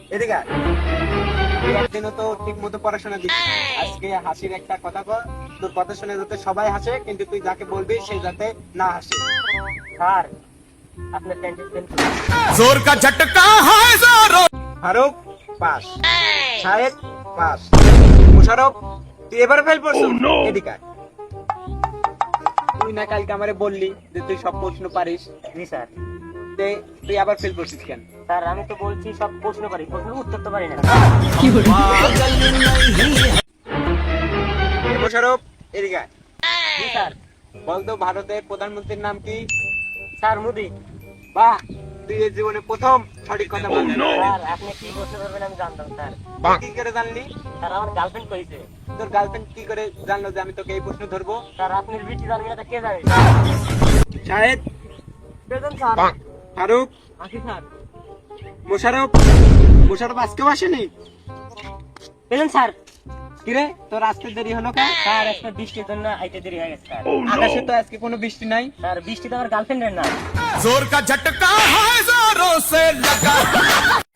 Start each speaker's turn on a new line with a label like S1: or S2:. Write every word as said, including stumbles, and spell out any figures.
S1: এদিকে আয়। তুই একদিনও তো ঠিক মতো পড়াশোনা দিচ্ছিস না। আজকে হাসির একটা কথা কর, তোর কথা শুনে যাতে সবাই হাসে, কিন্তু তুই যাকে বলবি সে যাতে না হাসে।
S2: স্যার আপনার টেনশন
S3: जोर का झटका है जोरों
S1: ফারুক পাস, শাহেদ পাস, মুশারফ তুই এবার ফেল পড়ছিস। এদিকে আয়। তুই না কালকে আমারে বললি যে তুই সব প্রশ্ন পারিস,
S2: জি স্যার।
S1: তে তুই আবার ফেল পড়ছিস কেন?
S2: স্যার আমি তো বলছি সব প্রশ্ন পারি, প্রশ্ন উত্তর তো পারি না।
S1: এ মুশারফ এদিকে আয়।
S2: জি স্যার।
S1: বলতো ভারতের প্রধানমন্ত্রীর নাম কি?
S2: স্যার মোদি।
S1: বাহ, তুই এই জীবনে প্রথম সঠিক কথা বললি।
S2: স্যার আপনি কি প্রশ্ন করবেন আমি জানতাম স্যার।
S1: কি করে জানলি?
S2: স্যার আমার গার্লফ্রেন্ড কইছে।
S1: তোর গার্লফ্রেন্ড কি করে জানলো যে আমি তোকে এই প্রশ্ন ধরবো?
S2: স্যার আপনার বিটি জানবে না তা কে জানে?
S1: Shahed,
S2: present sir.
S1: ফারুক,
S2: আসি স্যার।
S1: মোশারফ। মোশারফ আজকেও আসেনি?
S2: Present sir.
S1: কিরে তোর আসতে দেরি হলো কেন?
S2: স্যার আজকে বৃষ্টির জন্য আইতে দেরি হয়ে গেছে স্যার।
S1: আকাশে তো আজকে কোনো বৃষ্টি নাই।
S2: স্যার বৃষ্টি তো আমার গার্লফ্রেন্ডের না।
S3: जोर का झटका है जोरों से लगा